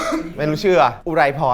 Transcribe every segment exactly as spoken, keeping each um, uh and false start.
ไม่รู้ชื่ออุไรพร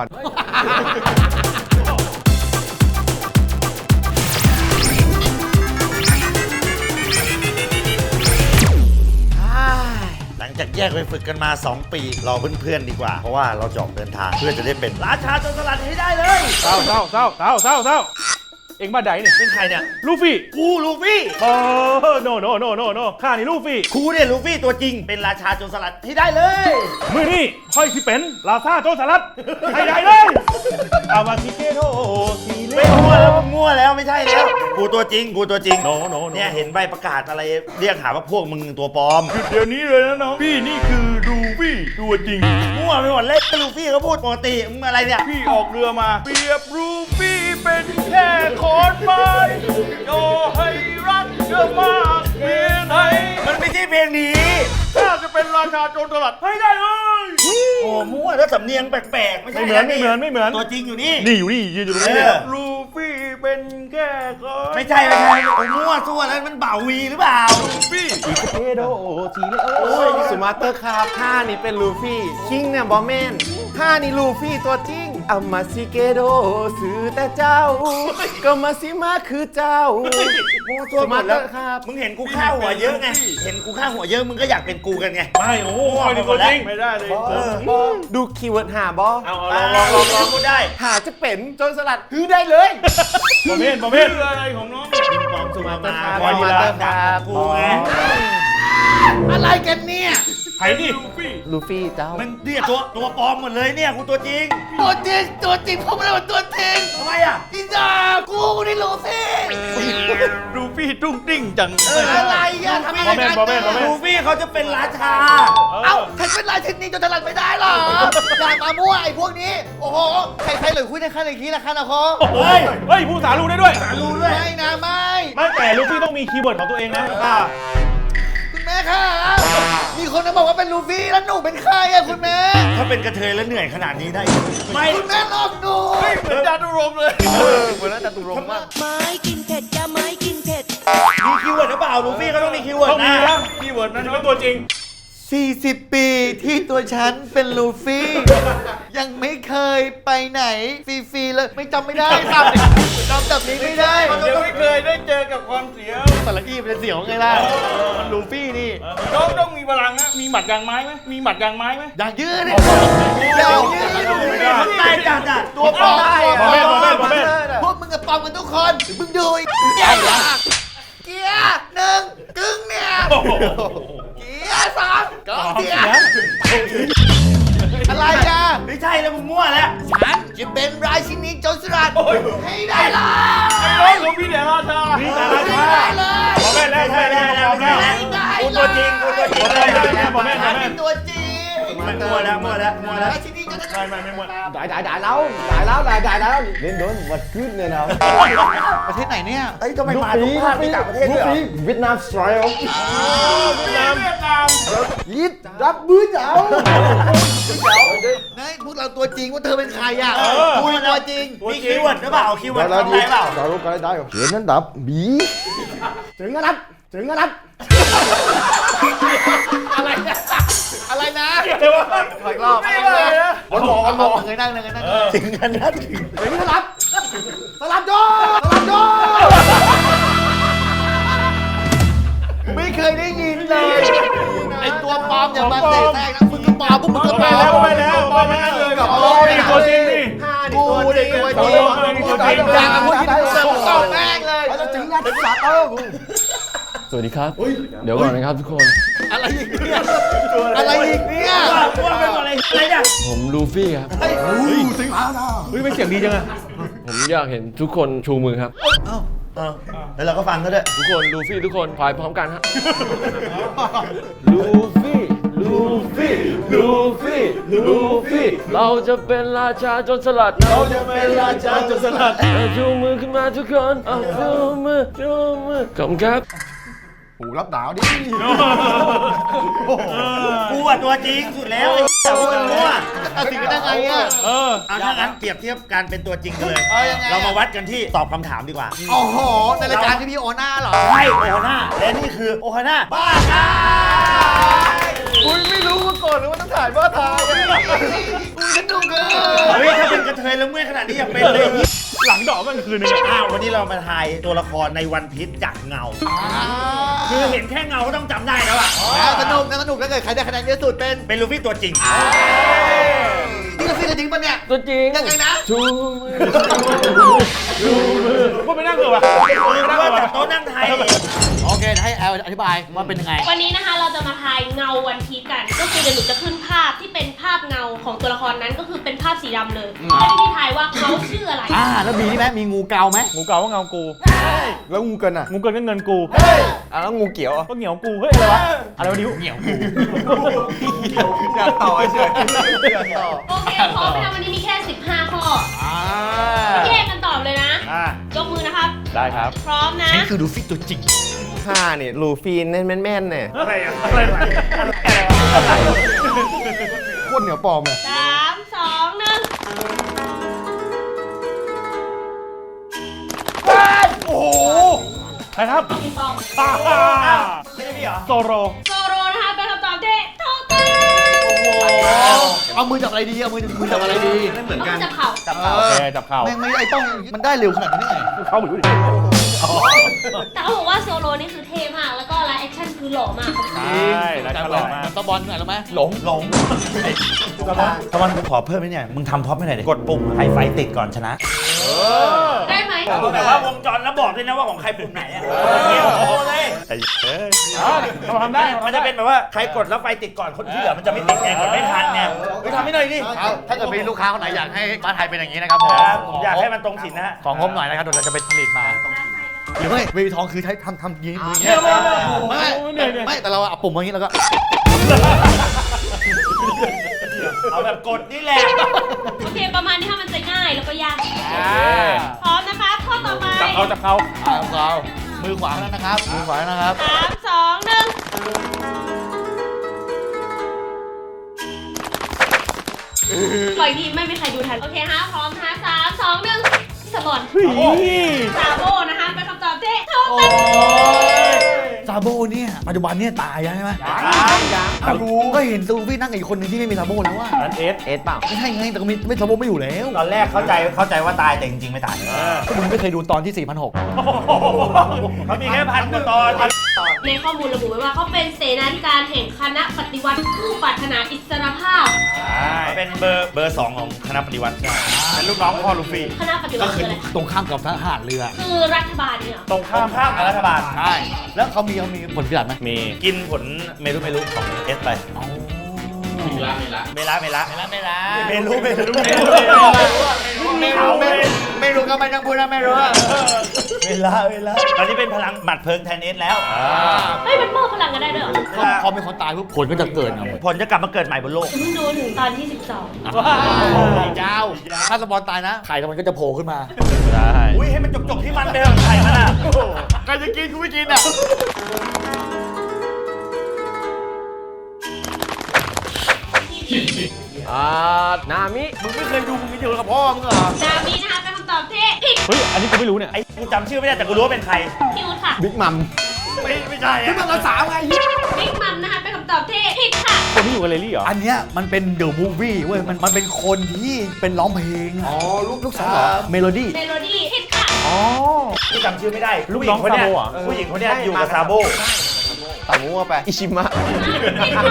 หลังจากแยกไปฝึกกันมาสองปีรอเพื่อนๆดีกว่าเพราะว่าเราจะออกเดินทางเพื่อจะได้เป็นราชาโจรสลัดให้ได้เลยเศร้าเศร้าเศร้าเศร้าเศร้าเศร้าเอ็งมาไหนเนี่ยเป็นใครเนี่ยลูฟี่กูลูฟี่โอ้โนโนโนโนโนข้านี่ลูฟี่กูเนี่ยลูฟี่ตัวจริงเป็นราชาโจรสลัดให้ได้เลยมือนี่ค่อยสิเป็นลาซาโจรสลัดให้ได้เลยอามาซิเกโตซีเล่ไม่มั่วแล้วมั่วแล้วไม่ใช่แล้วกูตัวจริงกูตัวจริงโนโนเนี่ยเห็นใบประกาศอะไรเรียกหาว่าพวกมึงตัวปลอมเดี๋ยวนี้เลยนะน้องพี่นี่คือลูฟี่ตัวจริงมั่วไปหมดเลยลูฟี่เขาพูดปกติมึงอะไรเนี่ยพี่ออกเรือมาเปรียบลูฟี่เป็นแค่ขอนไม้โยให้รักเธอมากเพียงไหนมันไม่ใช่เพลงนี้ข้าจะเป็นราชาโจรสลัดให้ได้เลยโอ้มั่วแล้วสำเนียงแปลกๆไม่ใช่ไม่เหมือนไม่เหมือนไม่เหมือนตัวจริงอยู่นี่นี่อยู่นี่ยืนอยู่ตรงนี้เออลูฟี่เป็นแค่ขอนไม่ใช่ไม่ใช่โอ้มั่วซั่วแล้วมันเบาวีหรือเปล่าลูฟี่เทโดทีเลโอ้ยสุมาเตอร์ครับข้านี่เป็นลูฟี่คิงเนี่ยบอแมนข้านี่ลูฟี่ตัวจริงอามาซิเกโดซื้อแต่เจ้า ก็มาซิมาคือเจ้ามั่วซั่วหมดแล้วสมาร์ทครับมึงเห็นกูฆ่าหัวเยอะไงเห็นกูฆ่าหัวเยอะมึงก็อยากเป็นกูกันไงไม่โอ้โหนี่ตัวจริงไม่ได้เลยเออดูคีย์เวิร์ดหาบอเอาลเอาองลลออง งลลออง งลองกูได้หาจะเป็นโจรสลัดฮือได้เลยบอมเมนบอมเมนอะไรของน้องปิงปองสุมามาครับคอยมามาเตอดัร์งคดัรับงกูไงอะไรกันเนี่ยใครนี่ลูฟี่ลูฟี่เจ้ามันเนี่ยตัวตัวปลอมหมดเลยเนี่ยกูตัวจริงตัวจริงตัวจริงผมไม่ได้เป็นตัวจริงทำไมอ่ะอีดากูนี่ลูฟี่ลูฟี่ตุ้งติ้งจังเอออะไรอ่ะทำไมบอมเมนบอมเมนบอมเมนลูฟี่เขาจะเป็นราชาเอ้าฉันเป็นลายเทคนิคจนถนัดไม่ได้หรออย่ามามั่วไอ้พวกนี้ โอ้โห ใครใครเลยคุยในขั้นอย่างนี้ละขั้นนะคอเฮ้ยเฮ้ยผู้สารู้ได้ด้วยรู้ด้วยไม่นะไม่ไม่แต่ลูฟี่ต้องมีคีย์เวิร์ดของตัวเองนะคุณแม่ค่ะมีคนมาบอกว่าเป็นลูฟี่แล้วหนูเป็นใครอะคุณแม่ถ้าเป็นกระเทยแล้วเหนื่อยขนาดนี้ได้ ไม่คุณแม่หลอกหนูเหมือนจาตุรงค์เลยเหมือนน่าจะตุรงมากไม้กินเผ็ดอย่าไม้กินเผ็ดมีคีย์เวิร์ดหรือเปล่าลูฟี่เขาต้องมีคีย์เวิร์ดต้องมีนะนะคีย์เวิร์ดนั้นเป็นตัวจริงสี่สิบปีที่ตัวฉันเป็นลูฟี่ ยังไม่เคยไปไหนฟรีๆเลยไม่จำไม่ได้ครับจำแบบนี้ไม่ได้ยังไม่เคยได้เจอกับความเสียวสารอี้เป็นเสียวไงล่ะมันลูฟี่นี่น้องต้องมีพลังนะมีหมัดยางไม้ไหมมีหมัดยางไม้ไหมอยากยืดเนี่ยอยากยืดไม่ได้ตายจัดอ่ะตัวปลอมบอมเมนบอมเมนบอมเมนพวกมึงกับปลอมกันทุกคนมึงดูไอ้ใหญ่ละเกียร์หนึ่งกึ่งเนี่ยเกียร์สามกองเกียร์อะไรอ่ะไม่ใช่แล้วมึงมั่วแล้วฉันจะเป็นราชินีโจรสลัดให้ได้เลยไอ้น้องของพี่เดราชาพี่เดราชาให้ได้เลยบอมเมนแล้วใช่แล้วแล้วแล้วให้ได้กูเลตัวย จริงกูตัวจริงบอมเมนแล้วบอมเมนบอมเมเป็น นตัวจริงมันมั่วแล้วมั่วแล้วมั่วแล้วราชินีโจรสลัไม่ดไม่ไม่หมดได้ได้ได้แล้วได้แล้วได้ได้แล้วเล่นโดนวัดขึ้นเนี่ยนะประเทศไหนเนี่ยเอ้ยทำไมมาทุกภาคที่ต่างประเทศด้วยเหรอเวียดนามสไตล์เวียดนามเวียดนามยิดรับบื้อเจ้านายพวกเราตัวจริงว่าเธอเป็นใครอ่ะกูตัวจริงมีคีย์เวิร์ดหรือเปล่าคีย์เวิร์ดทำอะไรเปล่าดาวก็ได้ได้เขียนนั้นดับบีถึงกระดับถึงกระดับอะไรนะอะไรนะเดี๋ยวว่าขออีกรอบไม่เลยนะวันหมอวันหมอเคยนั่งเลยเคยนั่งเลยถึงกันนะถึงถึงกระดับสลับโดสลับโดไม่เคยได้ยินเลยไอตัวปลอมอย่ามาเตะแทรกนะมึงก็ปลอมพวกมึงก็ปลอไปมแล้วไปแล้วไปแล้วเลยกับนี่ตัวจริงนี่กูเด็กตัวจริงอยากพูดที่เสือกตอบแม่งเลยถึงกระดับเออสวัสดีครับ เดี๋ยวก่อนนะครับทุกคนอะไรอีกเนี่ยอะไรอีกเนี่ยมั่วไปหมดเลยอะไรเนี่ยผมลูฟี่ครับเฮ้ยไม่เสียงดีจังอะผมอยากเห็นทุกคนชูมือครับเออแล้วเราก็ฟังเขาด้วยทุกคนลูฟี่ทุกคนพายพร้อมกันฮะ ลูฟี่ ลูฟี่ ลูฟี่ ลูฟี่ เราจะเป็นราชาโจรสลัด เราจะเป็นราชาโจรสลัดเอาชูมือขึ้นมาทุกคนเอาชูมือชูมือขอบคุณครับหูรับหนาวดิกูอ่ะตัวจริงสุดแล้วไอ้แต่ว่ามันมั่วตัดสินกันได้ไงอ่ะเออเอาถ้างั้นเปรียบเทียบการเป็นตัวจริงกันเลยเอายังไงเรามาวัดกันที่ตอบคำถามดีกว่าโอ้โหในรายการที่พี่โอน่าเหรอใช่โอฮาน่าและนี่คือโอฮาน่าบ้าชายคุณไม่รู้มาก่อนเลยว่าต้องถ่ายบ้าทายสนุกอะเฮ้ยถ้าเป็นกระเทยแล้วเมื่อยขนาดนี้อย่าเป็นเลยหลังดอกมันคืนนึงอ้าววันนี้เรามาทายตัวละครในวันพีชจากเงา คือเห็นแค่เงาก็ต้องจำได้แล้วอ่ะน่าสนุกน่าสนุกถ้าเกิดใครได้คะแนนเยอะสุดเป็นเป็นลูฟี่ตัวจริงนี่เราฟิลจริงปะเนี่ยตัวจริงยังไงนะชูมือว่าไปนั่งเถอะวะคือว่าแต่โต๊ะนั่งไทยโอเคให้แอลอธิบายว่าเป็นยังไงวันนี้นะคะเราจะมาทายเงาวันพีชกัน ก็คือเดี๋ยวหนูจะขึ้นภาพที่เป็นภาพเงาของตัวละครนั้นก็คือเป็นภาพสีดำเลยให้พี่ทายว่าเขาชื่ออะไรอ่าแล้วมีนี่ไหมมีงูเกาไหมงูเก่าว่าเงากูแล้วงูเกินอ่ะงูเกินก็เงินกูอ่ะแล้วงูเกี่ยวอ่ะก็เหนียวกู เฮ้ย อะไรวะ อะไรวะนิ้วเหนียวกูอยากต่อเฉยโอเคพร้อมไหมคะวันนี้มีแค่สิบห้าข้ออ่าแยกกันตอบเลยนะอ่ะยกมือนะครับได้ครับพร้อมนะนี่คือดูฟิตตัวจริงข้าเนี่ยลูฟี่เน้นแม่นๆเนี่ยอะไรอะอะไรวะโคตรเหนียวปลอมเลยสามสองหนึ่งโอ้โห ใครครับปิงปองอ่าไม่ใช่พี่เหรอโซโรโซโรนะคะเป็นคำตอบที่ถูกต้องเอามือจับอะไรดีเอามือมือจับอะไรดีไม่เหมือนเอากันจับเข่าจับเอเขาโออเคจับเข่าแม่งไม่ได้ต้องมันได้เร็วขนาดนี้ได้ไงเข้าเหมือนรู้ดิแต่เขาบอกว่าโซโลนี่คือเท่มาก แล้วก็ไลฟ์แอคชั่นคือหล่อมากใช่แล้วฉลาดมากตะบอลหน่อยรู้ไหมหลงหลงตะวันตะวันกูขอเพิ่มไหมเนี่ย มึงทำท็อปให้หน่อยดิ กดปุ่มให้ไฟติดก่อนชนะได้ไหมแต่ว่าวงจรแล้วบอกด้วยนะว่าของใครปุ่มไหนอ่ะโอ้เลยไอ้เอ้ยเราทำได้มันจะเป็นแบบว่าใครกดแล้วไฟติดก่อนคนที่เหลือมันจะไม่ติดไงกดไม่ทันเนี่ยไปทำให้หน่อยดิเอาถ้าเกิดมีลูกค้าคนไหนอยากให้บ้านไทยเป็นอย่างนี้นะครับผมครับผมอยากให้มันตรงสินนะฮะของงบหน่อยนะครับเดี๋ยวเราจะไปผลิตมา หรือไม่เวทีทองคือใช้ทำทำอยางนี้มืออย่างไม่เงี้ยไม่ไม่ไม่ไม่แต่เราเอาปุ่มมาอย่างนี้แล้วก็เอาแบบกดนี่แหละโอเค ประมาณนี้ค่ะมันจะง่ายแล้วก็ยากอ่าพร้อมนะคะข้อต่อไปจับเขาจับเขาเอาเรามือขวาแล้วนะครับมือขวาแล้วนะครับสามสองหนึ่งปล่อยทีไม่มีใครดูทัน โอเคฮะพร้อมนะคะสามสองหนึ่งสปอนเฮ้ยซาโบนะคะเป็นคำตอบที่ถูกต้องซาโบเนี่ยปัจจุบันเนี่ยตายแล้วใช่ไหมยังยังอ้าวรู้ก็เห็นซูฟี่นั่งกับอีกคนหนึ่งที่ไม่มีซาโบแล้วว่านั้นเอสเอสเปล่าไม่ใช่ไงแต่ก็มีไม่ซาโบไม่อยู่แล้วตอนแรกเข้าใจเข้าใจว่าตายแต่จริงๆไม่ตายก็มึงไม่เคยดูตอนที่สี่พันหกเขามีแค่พันกว่าตอนในข้อมูลระบุไว้ว่าเขาเป็นเสนาธิการแห่งคณะปฏิวัติผู้ปรารถนาอิสรภาพเป็นเบอร์เบอร์สองของคณะปฏิวัติใช่เป็นลูกน้องพ่อลูฟี่คณะปฏิวัติคืออะไรตรงข้ามกับทหารเรือคือรัฐบาลเนี่ยเหรอตรงข้าข้ามมข้ามกับรัฐบาลใช่แล้วเขามีเขามีผลพิจารณาไหมมีกินผลเมรุเมรุของเอสไปเมละเมละเมละเมละเมละเมรุเมรุเมรุไม่รู้ไม่ไม่รู้ก็ไม่ต้องพูดนะไม่รู้อะเวลาเวลาตอนนี้เป็นพลังหมัดเพลิงแทนเอสแล้วเฮ้ยมันมอบพลังกันได้ด้วยเหรอพอพอมีคนตายปุ๊บผลก็จะเกิดไงผลจะกลับมาเกิดใหม่บนโลกเพิ่งดูถึงตอนที่สิบสองเจ้าถ้าสปอนตายนะไข่มันก็จะโผล่ขึ้นมาได้อุ้ยให้มันจบๆที่มันไปเถอะใครมันอ่ะใครจะกินกูไม่กินอ่ะอ่านามิมึงไม่เคยดูมึงมีเดียวกับพ่อมึงเหรอนามินะคะเป็นคำตอบที่ผิดเฮ้ย อันนี้กูไม่รู้เนี่ยไอ้กูจำชื่อไม่ได้แต่กูรู้ว่าเป็นใครพี่อู๊ดค่ะบิ๊กมัมไม่ไม่ใช่อะมันละสามไงบิ๊กมัมนะคะเป็นคำตอบที่ผิดค่ะคนที่อยู่กับเลลี่เหรออันเนี้ยมันเป็นเดอะมูฟวี่เว้ยมันมันเป็นคนที่เป็นร้องเพลงอ๋อลูกลูกสาวเหรอเมโลดี้เมโลดี้ผิดค่ะอ๋อกูจำชื่อไม่ได้ลูกน้องผู้หญิคซาโบเหรอผู้หญิงคนเนี้ยอยู่กับซาโบตัดงูเข้าไป อิชิมะผิดค่ะ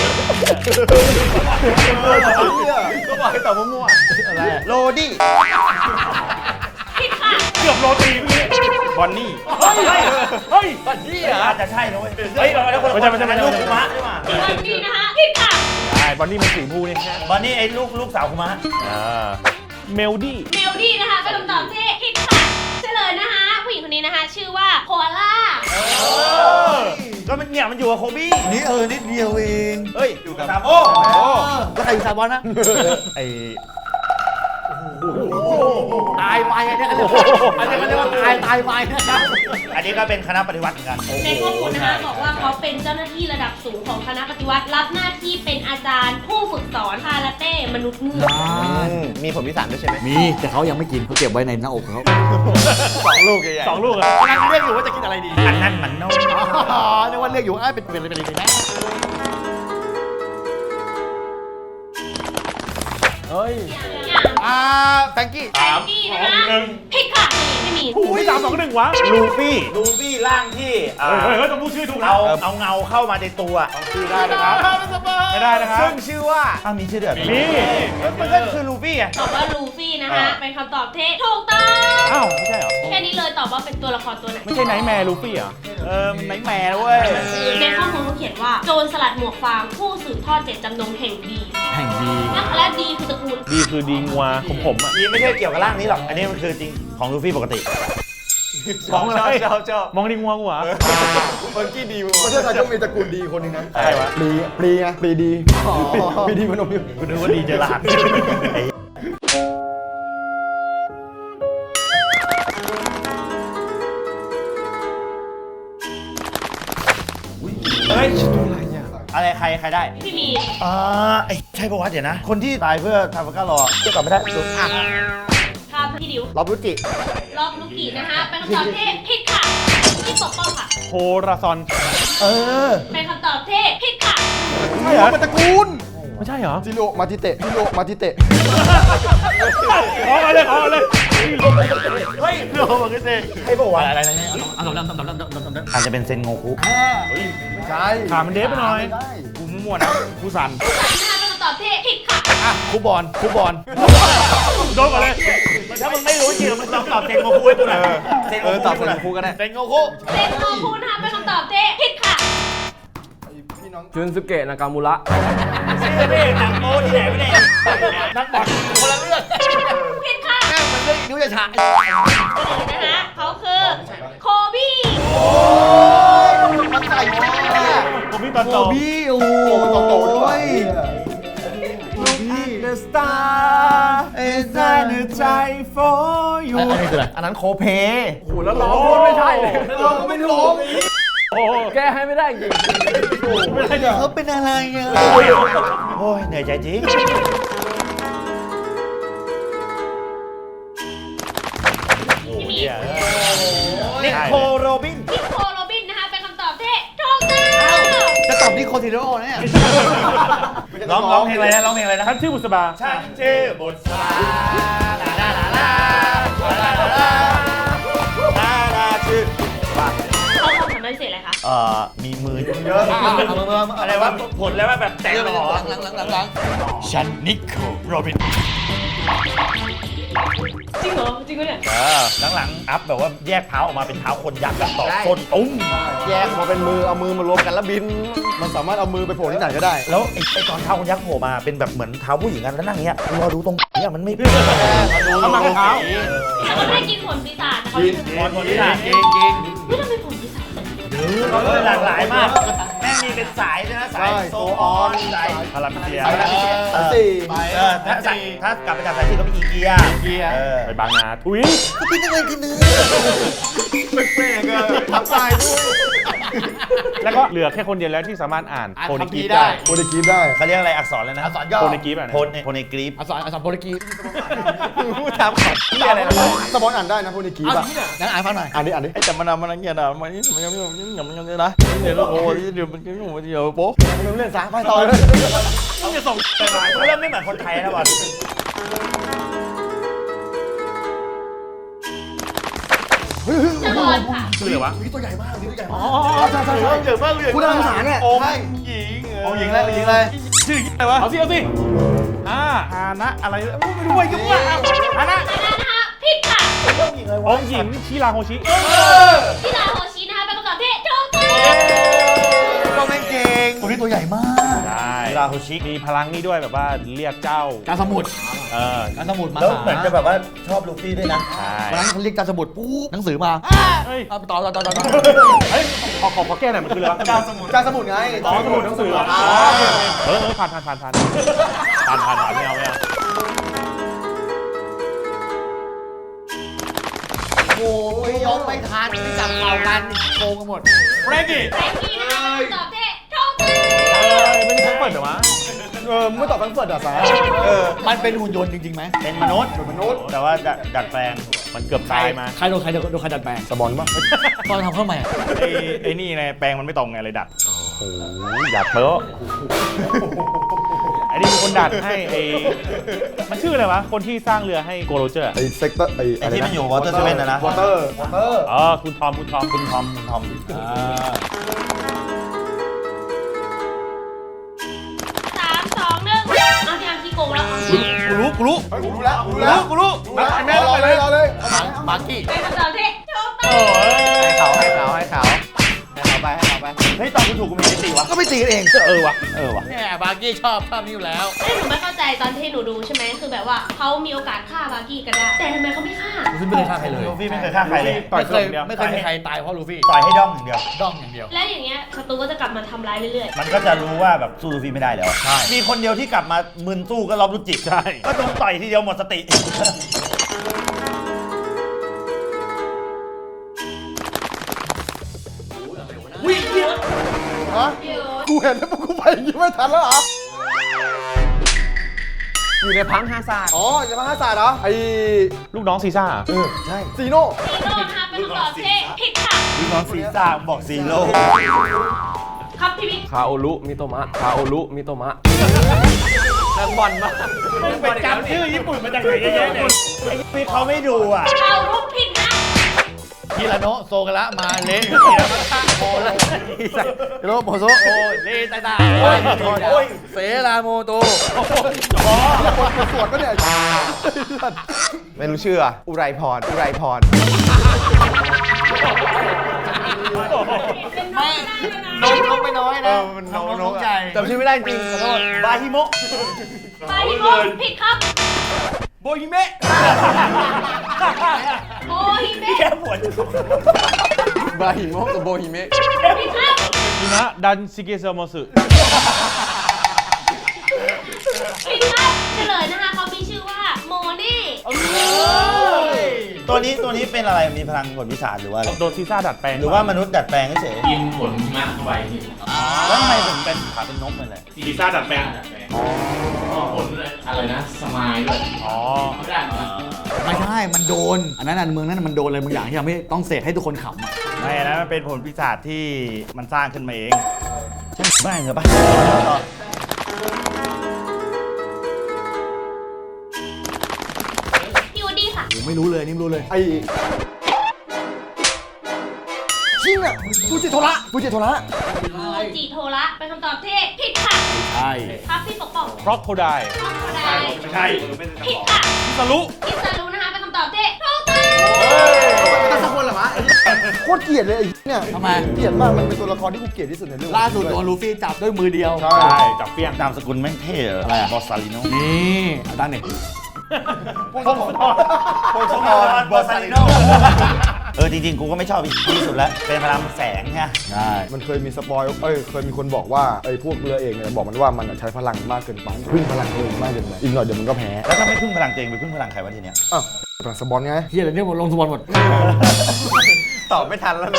ก็บอกให้ตอบมั่วๆอะไรโรดี้ผิดค่ะเกือบโรตีเมื่อกี้บอนนี่เฮ้ยเฮ้ยบันนี่เหรออาจจะใช่นะเว้ยเฮ้ยเราแล้วคนละไม่ใช่ไม่ใช่ไม่ใช่ลูกคุมะใช่ไหมวันนี้นะคะผิดค่ะใช่บอนนี่มันสีผู้นี่บันนี่ไอ้ลูกลูกสาวคุมะอ่าเมลดี้เมโลดี้นะคะเป็นคำตอบที่ผิดค่ะเฉลยนะคะ ผู้หญิงคนนี้นะคะ ชื่อว่าโคอาล่าก็มันเนี่ยมันอยู่กับโคบี้นี่เออนิดเดียวเองเฮ้ยอยู่กับซาโบแล้วใครอยู่ซาบอนนะไอตายไปอันนี้เขาเรียกว่าอันนี้เขาเรียกว่าตายตายไปนะครับอันนี้ก็เป็นคณะปฏิวัติเหมือนกันในข้อมูลนะคะบอกว่าเขาเป็นเจ้าหน้าที่ระดับสูงของคณะปฏิวัติรับหน้าที่เป็นอาจารย์ผู้ฝึกสอนคาราเต้มนุษย์เงือกอืมมีผลพิสารด้วยใช่ไหมมีแต่เขายังไม่กินเขาเก็บไว้ในหน้าอกเขาสองลูกใหญ่ๆสองลูกอะกำลังเรียกอยู่ว่าจะกินอะไรดีอันนั้นมันโน่อ๋อนึกว่าเรียกอยู่อ้าวเป็นเป็นอะไรเป็นอะไรนะเฮ้ยอย่างอ่าแฟรงกี้แฟรงกี้นะคะผิดค่ะไม่มีอุ้ยสามสองหนึ่งวะลูฟี่ลูฟี่ร่างที่อ่าเฮ้ยเฮ้ยต้องพูดชื่อถูกนะเอาเอาเงาเข้ามาในตัวชื่อได้นะครับไม่ได้นะครับซึ่งชื่อว่าอ้าวมีชื่อเดือดนี่มันก็คือลูฟี่ไงตอบว่าลูฟี่นะคะเป็นคำตอบที่ถูกต้องอ้าวไม่ใช่เหรอแค่นี้เลยตอบว่าเป็นตัวละครตัวไหนไม่ใช่ไนท์แมร์ลูฟี่เหรอเออมันไนท์แมร์เว้ยในข้อมูลเขาเขียนว่าโจรสลัดหมวกฟางผู้สืบทอดเจตจำนงแห่งดีแห่งดีและดีคือตระกูลดีคือดีงัวผมผมอ่ะนี่ไม่ใช่เกี่ยวกับร่างนี้หรอกอันนี้มันคือจริงของลูฟี่ปกติมองอะไรเจ้าเจ้ามองดีงัวกูเหรอเมื่อกี้ดีประเทศไทยต้องมีตระกูลดีคนหนึ่งนะใช่วะปลีปลีไงปลีดีปลีดีพนมอยู่กูนึกว่าดีเจอรหัสไอ้เฮ้ยอะไรใครใครได้พี่มีอ่าไอ้ใช่ปะวะเดี๋ยวนะ คนที่ตายเพื่อทาฟัก้ารอเชื่อตอบไม่ได้ดูอ่ะครับพี่ดิวรอบรุจิรอบลูกินะคะเป็นคำตอบที่ผิดค่ะที่ปกป้องค่ะโพราซอนเออเป็นคำตอบที่ผิดค่ะใช่เหรอมันตระกูลไม่ใช่เหรอจิโรมาติเตะจิโรมาติเตะขอมาเลยขอมาเลยเฮ้ยโลมาขึ้นเลยให้ปะวะอะไรอะไรเนี่ยอาจจะเป็นเซนโงคุไม่ใช่ขามันเดฟไปหน่อยกูมั่วๆนะกูสั่นนะคะเป็นคำตอบที่ผิดค่ะคูบอลคูบอลโดนก่อนเลยถ้ามึงไม่รู้จริงมึงลองตอบเซนโงคุให้กูหน่อยเซนโงเออคุตอบเป็นครูก็ได้เซนโงคุเซนโงคุนะคะเป็นคำตอบที่ผิดค่ะพี่น้องจุนสุเกะนากามูระชื่อพี่หนังโป๊ที่ไหนไม่ได้นักบอลคนละเรื่องผิดค่ะแม่งมันเรื่องนิ้วจะฉะนะคะเขาคือโคบี้มันใส่แม่ผมมีตอนโอโตบี้โอ้โหมันโตโตด้วย The star is in the sky for you อันนี้คืออะไรอันนั้นโคเพโอ้โหแล้วร้องพูดไม่ใช่เลยเราก็ไม่ร้องโอ้โหแก้ให้ไม่ได้จริงไม่ใช่เหรอเขาเป็นอะไรอ่ะโอ้ยเหนื่อยใจจริงที่มีนิโคโรบินนิโคโรบินนะคะเป็นคำตอบที่ถูกต้องจะตอบที่โคทิโร่เนี่ยร้องร้องเพลงอะไรนะร้องเพลงอะไรนะท่านชื่อบุษบาฉันชื่อบทสาลาลาลาลาลาลาลาลาลาลาชื่อว่าเขาความสามารถพิเศษอะไรคะเอ่อมีมือเยอะเอามามามาอะไรวะผลแล้วว่าแบบแตกหล่อหลังหลังหลังหลังฉันนิโคโรบินจริงเหรอจริงเหรอเนี่ยเออหลังๆอัพแบบว่าแยกเท้าออกมาเป็นเท้าคนยักษ์แบบต่อส้นตุ้มแยกมาเป็นมือเอามือมารวมกันแล้วบิน มันสามารถเอามือไปโผล่ที่ไหนก็ได้แล้วไอ้ไอ้ตอนเท้าคนยักษ์โผล่มาเป็นแบบเหมือนเท้าผู้หญิงกันแล้วนั่งอย่างเงี้ยรอดูตรงเนี่ยมันไม่เอามาเท้าแต่เขาไม่ได้กินผลปีศาจแต่เขากินบอลคนที่หนักจริงจริงไม่ต้องเป็นผลปีศาจหลากหลายมากแม่งมีเป็นสายด้วยนะสายโซออนสายพารามิเซียเออสี่เออถ้าสายถ้ากลับไปจากสายที่ก็มีอีเกียอีเกียเออไปบางนาทุยเป็นอะไรกันเนื้อแปลกๆอะทับตายด้วยแล้วก็เหลือแค่คนเดียวแล้วที่สามารถอ่านโพนิกีได้โปรตุกีสได้เขาเรียกอะไรอักษรเลยนะอักษรย่อโพนิกีแบบไหนโพนโพนกรีฟอักษรอักษรโปรตุกีสพูดตามขอบที่อะไรนะสปอนอ่านได้นะโปรตุกีสอะงั้นอ่านฟังหน่อย อ่านดิอ่านดิไอ้แต่มันนำมันอะไรเงี้ยนะมันมันยังยังยังยังยังนะเดี๋ยวโอ้ยเดี๋ยวมันยังมันเดี๋ยวโป๊ะไม่รู้เรื่องสาไปต่อเลยต้องจะส่งไปไหนเริ่มไม่เหมือนคนไทยนะบอลจะบอลค่ะคืออะไรวะตัวใหญ่มากตัวใหญ่มากอ๋อใช่ใช่ใช่เยอะมากเลยคุณอาสาเนี่ยองค์ใช่หญิงองค์หญิงเลยองค์หญิงเลยชื่ออะไรวะเอาสิเอาสิอ่าฮานะอะไรไม่รู้ว่ายุ่งว่ะฮานะอันนั้นนะคะผิดค่ะองค์หญิงชิราโฮชิที่ลาโฮชินะคะเป็นคำตอบที่ถูกต้องก็แม่งเก่งตัวนี้ตัวใหญ่มากได้ชิราโฮชิมีพลังนี่ด้วยแบบว่าเรียกเจ้าการสมุทรเออการสมุทรมาแล้วเหมือนจะแบบว่าชอบลูฟี่ด้วยนะใช่วันนั้นเขาเรียกการสมุทรปุ๊บหนังสือมาเฮ้ยเอาต่อต่อต่อต่อเฮ้ยขอขอขอแก้หน่อยมันคืออะไรวะการสมุทรการสมุทรไงอ๋อสมุดหนังสือเหรออ๋อเออเออผ่านผ่านผ่านผ่านผ่านผ่านผ่านไม่เอาไม่เอาโอ้ยยกไม่ทันไม่จับเป่ากันโกงกันหมดเฟรนกี้แฟรงกี้นะคะเป็นคำตอบที่ถูกต้องเออไม่ได้เปิดเหรอวะเออไม่ตอบทั้งเฟิร์ดอ่ะสาเออมันเป็นหุ่นยนต์จริงๆไหมเป็นมนุษย์เป็นมนุษย์ แต่ว่าดัดดัดแปลงมันเกือบตายมาใครโดนใครโดนใครดัดแปลงสบอนป่ะตอนทำเข้ามาไอ้ไอ้นี่ไงแปลงมันไม่ตรงไงเลยดัดโอ้ยอยากเพ้อไอ้นี้มีคนดัดให้ไอ้มันชื่ออะไรวะ คนที่สร้างเรือให้โกโรเจอร์ไอ้เซกเตอร์ไอ้อะไรที่มันอยู่วอเตอร์เซเว่นนะนะวอเตอร์วอเตอร์อ๋อคุณทอมคุณทอมคุณทอมคุณทอมสามสองหนึ่งเอาที่อังที่โกงแล้วกูรู้กูรู้กูรู้แล้วกูรู้แล้วกูรู้แม่รอเลยรอเลยมาร์กี้เป็นคำตอบที่ถูกต้องโอ้ยให้เขาให้เขาให้เขาให้เขาไปให้เขาไปเฮ้ยตอนกูถูกกูไม่ได้ตีวะก็ไม่ตีกันเองเออวะเออวะแหมบาร์กี้ชอบชอบนี้อยู่แล้วเอ้ยหนูไม่เข้าใจตอนที่หนูดูใช่ไหมคือแบบว่าเขามีโอกาสฆ่าบาร์กี้ก็ได้ แต่ทำไมเขาไม่ฆ่าลูฟี่ไม่เคยฆ่าใครเลยลูฟี่ไม่เคยฆ่าใครเลยต่อยไม่เคเคยยเดียวไม่เคยมีใครตายเพราะลูฟี่ต่อยให้ด้อมอย่างเดียวด้องอย่างเดียวแล้วอย่างเงี้ยศัตรูก็จะกลับมาทำร้ายเรื่อยมันก็จะรู้ว่าแบบสู้ลูฟี่ไม่ได้แล้วใช่มีคนเดียวที่กลับมามึนสู้ก็รอบรุจิใช่ก็โดนต่อยทีเดียวหมดสติๆเดี๋ยวกูเห็นแล้วกูไปยังไม่ทันแล้วเหรออยู่ในพังฮาซาร์ดอ๋อจะมาห้าศาสตร์เหรอไอ้ลูกน้องซีซ่าเออใช่ซีโน่ซีโร่นะคะเป็นคำตอบที่ผิดค่ะลูกน้องซีซ่าบอกซีโร่ครับพี่บิ๊กคาโอรุมิโตมะคาโอรุมิโตมะนักบอลมากไปจำชื่อญี่ปุ่นมาจากไหนเยอะแยะเนี่ยไอ้นี่เขาไม่ดูอ่ะเอารูปผิดนะฮิราโนะโซกะระมาเละโมละฮิโรโมโซโอเลตาตาโอ้ยเสราโมโตสวดปะเนี่ยไม่รู้ชื่ออะอุไรพรอุไรพรเป็นน้องได้เลยนะน้องน้องไม่น้อยนะมันน้องนน้องกใจจำชื่อไม่ได้จริงขอโทษบาฮิโมะไปที่โกงผิดครับโบฮิเมะโอฮิเมะแค่ปวดบาฮิโมะกับโบฮิเมะผิดครับนี่นะดันซิเกเซอร์มอสึผิดครับเฉลยนะคะเขามีชื่อว่าโมนี่ตัวนี้ตัวนี้เป็นอะไรมีพลังผลพิศาจหรือว่าอะไรโดนซีซ่าดัดแปลงหรือว่ามนุษย์ดัดแปลงเฉยกินผลหิมะเข้าไปพี่ๆแล้วทำไมถึงเป็นขาเป็นนกเป็นอะไรซีซ่าดัดแปลงดัดแปลงอ๋อผลอะไรนะ สมายด้วยอ๋อไม่ได้เหรอไม่ใช่ มันโดน อันนั้นอันเมืองนั้นมันโดนอะไรบางอย่างที่ทำให้ต้องเสกให้ทุกคนขำอ่ะไม่นะมันเป็นผลพิศาจที่มันสร้างขึ้นมาเองใช่ไม่เหรอปะพี่วูดดี้ค่ะผมไม่รู้เลยนี่ไม่รู้เลยไอ้ชิงอ่ะฟูจิโทระฟูจิโทระฟูจิโทระเป็นคำตอบที่ผิดค่ะใช่ครับพี่ปกป้องครอกโคไดครอบครัวใดไม่ใช่ผิดค่ะสรุอิสรุนะคะเป็นคำตอบที่ถูกต้องตั้งสักคนเหรอวะโคตรเกลียดเลยไอ้เนี่ยทำไมเกลียดมากมันเป็นตัวละครที่กูเกลียดที่สุดในเรื่องล่าสุดโดนลูฟี่จับด้วยมือเดียวใช่ใช่จับเฟี้ยงนามสกุลแม่งเท่เหรออะไรอะบอสซาลิโนนี่เอาตั้งเนี่ยพงศธรพงศธรบอสซาลิโนเออจริงๆกูก็ไม่ชอบอีกที่สุดแล้วเป็นพลังแสงไงใช่มันเคยมีสปอยเอ้ย เคยมีคนบอกว่าไอ้พวกเรือเอกเนี่ยบอกมันว่ามันอะใช้พลังมากเกินไปพึ่งพลังตัวเองมากเกินไปอีกหน่อยเดี๋ยวมันก็แพ้แล้วถ้าไม่พึ่งพลังตัวเองไปพึ่งพลังใครวะทีเนี้ยอ้าวพลังสปอนไงเฮียอะไรเนี่ยหมดลงสมบัติหมดตอบไม่ทันแล้วนะ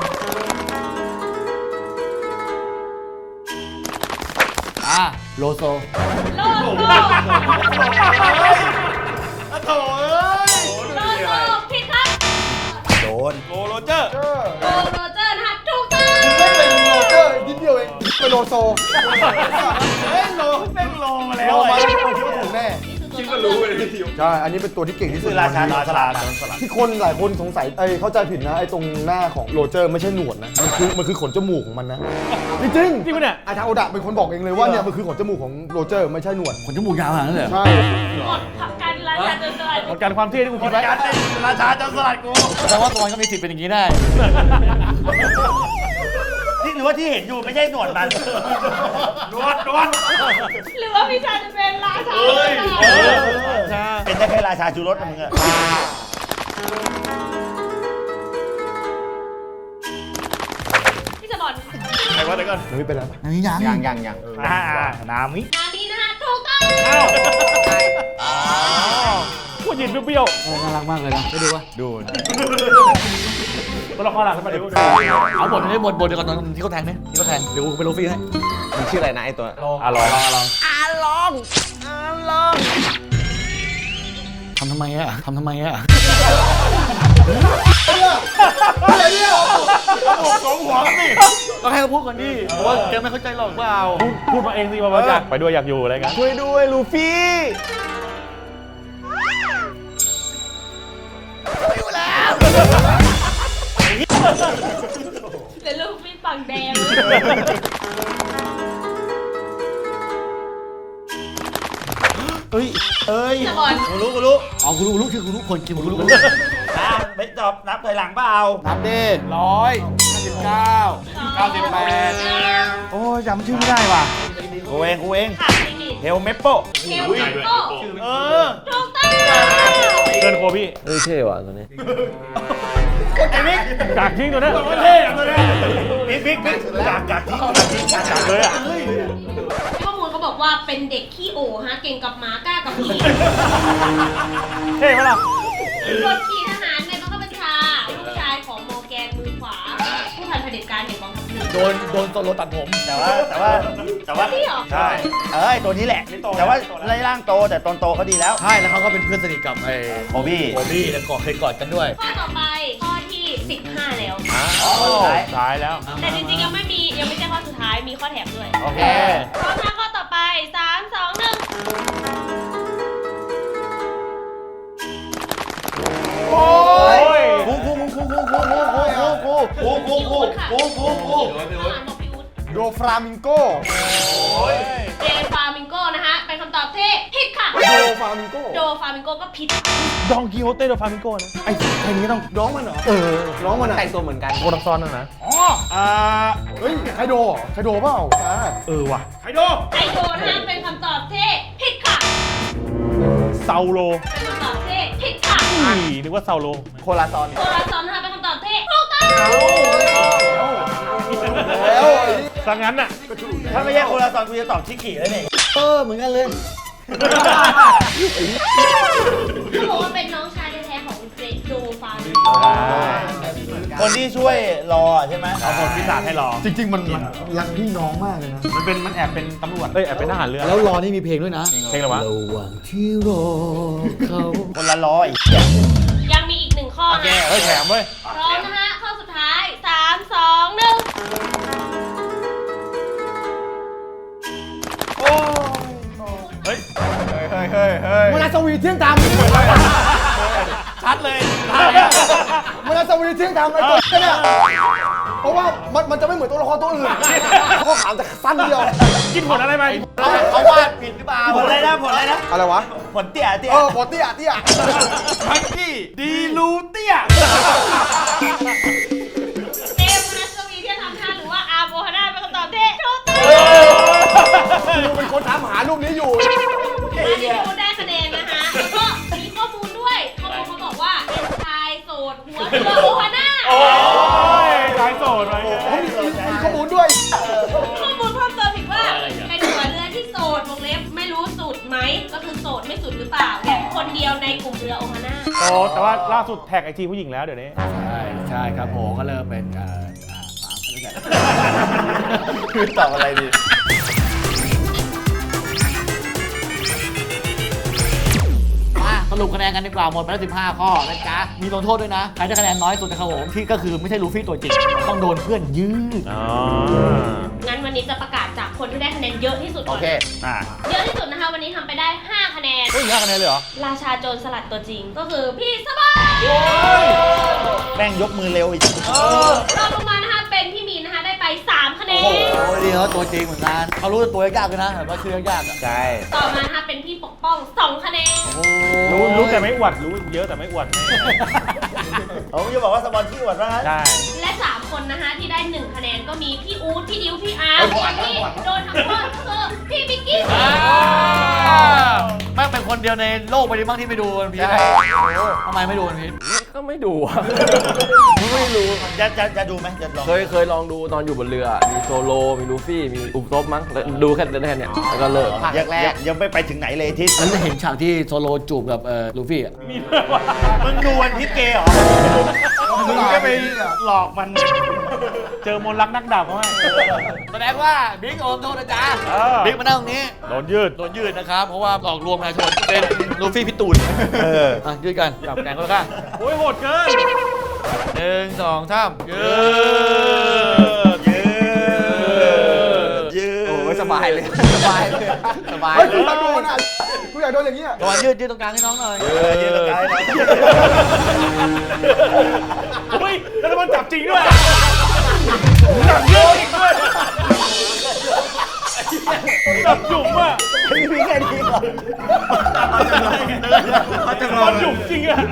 อ่ะโลโซโลโซโลโซผิดครับโดนโกโรเจอร์โกโรเจอร์นะคะถูกต้องไม่เป็นโรเจอร์นิดเดียวเองเป็นโลโซเฮ้ยโลแม่งโลมาแล้วโลมาไอ้แล้วคนคิดว่าถูกแน่คิดก็รู้เลยใช่ อันนี้เป็นตัวที่เก่งที่สุดคือราชาในราวันชานี้สลัดที่คนหลายคนสงสัยไอ้เข้าใจผิดนะไอ้ตรงหน้าของโรเจอร์ไม่ใช่หนวดนะ มันคือมันคือขนจมูกของมันนะ จริงจริงปะเนี่ยๆอาทาโอดะเป็นคนบอกเองเลยว่าเนี่ยมันคือขนจมูกของโรเจอร์ไม่ใช่หนวดขนจมูกยาวขนาดนั้นเลยเหรอใช่หมดขับการราชาจนสลัดหมดการความเท่ที่กูคิดไว้การเป็นราชาจนสลัดกูแต่ว่าตัวมันก็มีสิทธิ์เป็นอย่างนี้ได้ที่หรือว่าที่เห็นอยู่ไม่ใช่หนวดมันหนวดหนวดหรือว่าพี่ชายจะเป็นราชาเป็นได้แค่ราชาจูรสนะมึงอะพี่จะบอลไหนวะเดี๋ยวก่อนมันไม่เป็นไรปะอันนี้ยังยังยังยังอ่านามิงานนี้นะคะถูกต้องพูดยินเปรี้ยวเออน่ารักมากเลยนะไปดูวะดูๆตัวละครหลักขึ้นมาดิเอาบทนี้บทบทเดียวกันตอนที่เขาแทงเนี่ยที่เขาแทง เดี๋ยวกูไปลูฟี่ให้มันชื่ออะไรนะไอ้ตัวอ่ะลองลองทำทำไมอะทำทำไมอะอะไรเนี่ยสองหัวสิต้องให้เขาพูดก่อนดิเพราะว่าแกไม่เข้าใจหรอกเปล่าพูดมาเองสิมาอยากไปด้วยอยากอยู่อะไรกันช่วยด้วยลูฟี่เป็นลูกพี่ฝั่งแดงเอ้ยเอ้ยสปอนกูรู้กูรู้อ๋อคุณรู้รู้คือคุณรู้คนกินคุณรู้อ่ะไม่จบนับถอยหลังเปล่านับดิร้อยห้าสิบเก้าเก้าสิบแปดโอ้ยจำชื่อไม่ได้ว่ะกูเองกูเองค่ะจริงดิเฮลเมปโปเฮลเมโก้เออถูกต้องเกินโคพี่เฮ้ยเท่ว่ะตัวนี้ไอ้บิ๊กกากทิ้งตัวนี้เท่ตัวนี้บิ๊กบิ๊กบิ๊กกากกากทิ้งกากทิ้งกากกากเลยอ่ะข้อมูลเขาบอกว่าเป็นเด็กขี้โอฮะเก่งกับหมากล้ากับผีเท่ไหมล่ะบทขี่ทหารในบังคับบัญชาลูกชายของโมแกนมือขวา ผู้พันเผด็จการแห่งกองทัพเรือโดนโดนโซโลตัดผมแต่ว่าแต่ว่าแต่ว่านี่เหรอใช่เอ้ยตัวนี้แหละ แต่ว่าไล่ร่างโตแต่ตอนโตเขาดีแล้วใช่แล้วเขาก็เป็นเพื่อนสนิทกับไอ้โบบี้โบบี้แล้วกอดเคยกอดกันด้วยข้อต่อไปข้อที่สิบห้าแล้วสุดท้ายตายแล้วแต่จริงๆยังไม่มียังไม่ใช่ข้อสุดท้ายมีข้อแถมด้วยโอเคพร้อมนะข้อต่อไปสามสองหนึ่งโอ้ยกูกูมึงกูกูกูกูกูกูกูกูกูกูกูกูกูข้างหลังบอกพี่อุ๊ดโดฟรามิงโกเดฟามิงโกนะฮะเป็นคำตอบที่ผิดค่ะโดฟรามิงโกโดฟามิงโกก็ผิดดองกิโฮเต้โดฟามิงโกนะไอ้ใครนี้ต้องร้องมันเหรอ เออร้องมันแต่งตัวเหมือนกันโคตรซ้อนนั่นนะอ่าเฮ้ยไคโดเหรอไคโดเปล่าอ่าเออว่ะใครดูไอโดนะฮะเป็นคำตอบที่ผิดค่ะเซาโลเป็นคำตอบที่ผิดค่ะอีนึกว่าเซาโลโคลาซอนโซลาซอนนะคะเป็นคำตอบที่ถูกต้องแล้วสังงั้นน่ะถ้าไม่ใช่คนละตอนกูจะตอบชิคกี้แล้วนี่เออเหมือนกันเลยเขาบอกว่าเป็นน้องชายแท้ๆของเจโดฟามิงโกคนที่ช่วยรอใช่ไหมเอาผลพิศาจให้รอจริง ๆ มันมันรักพี่น้องมากเลยนะมันเป็นมันแอบเป็นตำรวจ เอ้ยแอบเป็นทหารเรือแล้วรอนี่มีเพลงด้วยนะเพลงอะไรวะระหว่างที่รอเขาคนละร้อยยังมีอีกหนึ่งข้อโอเคนะเฮ้ยแถมเว้ยพร้อมนะฮะข้อสุดท้ายสามสองหนึ่งเฮ้ยเฮ้ยเฮ้ยเฮ้ยเฮ้ยเวลาสวีเที่ยงธรรมชัดเลยเวลาสวีเที่ยงธรรมไอ้ตัวเนี่ยเพราะว่ามันมันจะไม่เหมือนตัวละครตัวอื่นข้อขามจะสั้นเดียวกินผลอะไรไปเขาเขาวาดผิดหรือเปล่าผลอะไรนะผลอะไรนะอะไรวะผลเตี้ยเตี้ยเออปอเตี้ยเตี้ยพักกี้ดีลูเตี้ยเจมส์นัสวีที่ทำท่าหรือว่าอาร์โบฮาน่าเป็นคำตอบที่ถูกต้องกูเป็นคนถามหารูปนี้อยู่อันนี้พี่พูดได้คะแนนนะคะแล้วก็มีข้อมูลด้วยข้อมูลเขาบอกว่าเป็นชายโสดหัวเรือโอฮาน่าโอ้ยสายโสดไปเขามีมีข้อมูลด้วยข้อมูลเพิ่มเติมอีกว่าเป็นหัวเรือที่โสดวงเล็บไม่รู้สุดไหมก็คือโสดไม่สุดหรือเปล่าแบบคนเดียวในกลุ่มเรือโอฮาน่าโอ้แต่ว่าล่าสุดแท็กไอจีผู้หญิงแล้วเดี๋ยวนี้ใช่ใช่ครับผมก็เริ่มเป็นเอ่ออ่าอ่าคือตอบอะไรดีมาสรุปคะแนนกันดีกว่าหมดไปแล้วสิบห้าข้อนะจ๊ะมีลงโทษด้วยนะ ใครได้คะแนนน้อยสุดนะครับผมที่ก็คือไม่ใช่ลูฟี่ตัวจริง ต้องโดนเพื่อนยืดอ๋องั้นวันนี้จะประกาศจากคนที่ได้คะแนนเยอะที่สุดก่โออนเคอ่าเยอะที่สุดนะคะวันนี้ทำไปได้ห้าคะแนนเฮ้ยห้าคะแนนเลยเหรอราชาโจรสลัดตัวจริงก็คือพี่สบายแม่งยกมือเร็วอีกรองลงมานะคะเป็นพี่มีนนะคะได้ไปสามคะแนนโอ้โหดีเขาตัวจริงเหมือนกันเขารู้ตัวยากเลยนะแต่ว่าชื่อยากๆอ่ะใช่ต่อมานะคะเป็นพี่ปกป้องสองคะแนนรู้รู้แต่ไม่อวดรู้เยอะแต่ไม่อวดผมจะบอกว่าสปอนที่อวดว่างั้นได้และสามคนนะคะที่ได้หนึ่งคะแนนก็มีพี่อู๊ดพี่ดิวพี่อาร์ตส่วนที่โดนทำโทษก็คือพี่บิ๊กกี้แม่งเป็นคนเดียวในโลกใบนี้บ้างที่ไม่ดูวันพีชทำไมไม่ดูวันพีชก็ไม่ดูอะไม่รู้จะจะจะดูไหมจะลองเคยเคยลองดูตอนอยู่บนเรือ มีโซโล มีลูฟี่ มีอุบซบมั้งแล้วดูแค่แค่เนี้ยแล้วก็เลิกยังยังยังไม่ไปถึงไหนเลยทิศนั้นเห็นฉากที่โซโลจูบกับเอ่อลูฟี่อ่ะมีเรื่องว่ามึงดูวันทิศเกย์เหรอมึงก็ไปหลอกมัน เจอมนต์รักนักดาบเขาให้แสดงว่าบิ๊กโอมโทษนะจ๊ะเออบิ๊กมานั่งตรงนี้โดนยืดโดนยืดนะครับ เพราะว่าหลอกลวงประชาชนเป็นลูฟี่พิตูนเอออ่ะยืดกันจับแกงก็แล้วกันโอ้ยโหดเกินหนึ่งสองสามเยอะยืดยืดโอ้ยสบายเลย สบายเลย สบายเฮ้ยเลกูยอยากโดนอ่ะกูอยากโดนอย่างเงี้ยตะวันยืดยืดตรงกลางให้น้องหน่อยเออยืดตรงกลางนะเฮ้ย แล้วมันจับจริงด้วยจับเยอะจริงด้วยจับจุ่มอ่ะมีแค่นี้ก่อนมันจุ่มจริงอ่ะ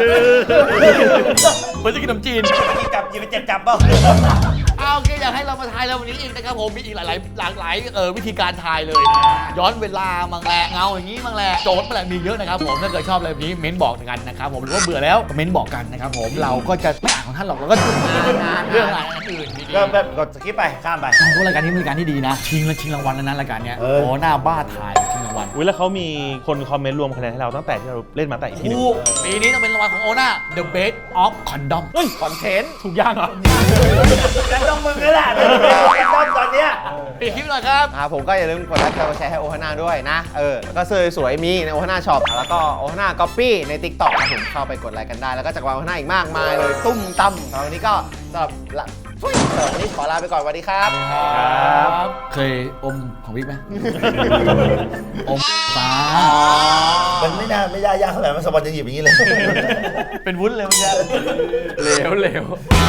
เหมือนจะกินขนมจีนกินจับกินไปเจ็บจับเปล่าเอาโอเคอยากให้เรามาทายแล้ววันนี้อีกนะครับผมมีอีกหลายๆหลากหลายเออวิธีการทายเลย ย้อนเวลามังแหละเงาอย่างนี้มังแหละโจทย์มังแหละมีเยอะนะครับผมถ้าเกิดชอบอะไรแบบนี้เม้นบอกกันนะครับผมหรือว่าเบื่อแล้วก็เม้นบอกกันนะครับผมเราก็จะไม่อ่านของท่านหรอกเราก็ดูเรื่องอะไรอื่นดีๆก็แบบกดสกิปไปข้ามไปพวกรายการนี้เป็นรายการที่ดีนะชิงและชิงรางวัลแล้วนะรายการเนี้ยเออโอ้หน้าบ้าถ่ายชิงรางวัลอุ้ยแล้วเขามีคนคอมเมนต์รวมคะแนนให้เราตั้งแต่ที่เราเล่นมาแต่อีพีหนึ่งถูกปีนี้ต้องเป็นรางวัลของโอน่า The Best of Condom เฮ้ยคอนเทนต์ถูกย่างเหรอแต่ต้องมึงนี่แหละต้องตอนเนี้ยปิดคลิปหน่อยครับครับผมก็อย่าลืมกดไลค์กดแชร์ให้โอฮาน่าด้วยนะ เออ แล้วก็เสื้อสวยๆมีในโอฮาน่าช็อปแล้วก็โอฮาน่าก๊อปปี้ใน ติ๊กต็อก ครับผมเข้าไปกดไลค์กันได้ แล้วก็จักรวาลโอฮาน่าอีกมากมายเลย ตุ้มตั้มสำหรับวันนี้ก็สำหรับละทุยสำหรับวันนี้ขอลาไปก่อนสวัสดีครับเคยอมของวิกไหม อมฟ้ามันไม่น่าไม่ได้ยากเท่าไหร่มันสปอนจะหยิบอย่างนี้เลยเป็นวุ้นเลยเมันจะเหลวเหลว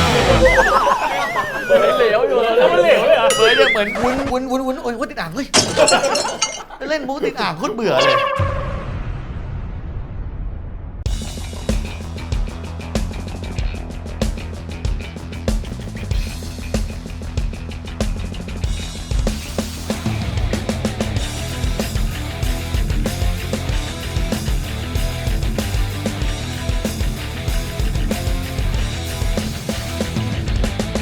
เหลวอยู่แล้วมันเหลวเลยเหรอเหมือนจะเหมือนวุ้นวุ้นวุ้นวุ้นโอ้ยวุ้นติดอ่างเฮ้ยเล่นมุกติดอ่างโคตรเบื่อเลย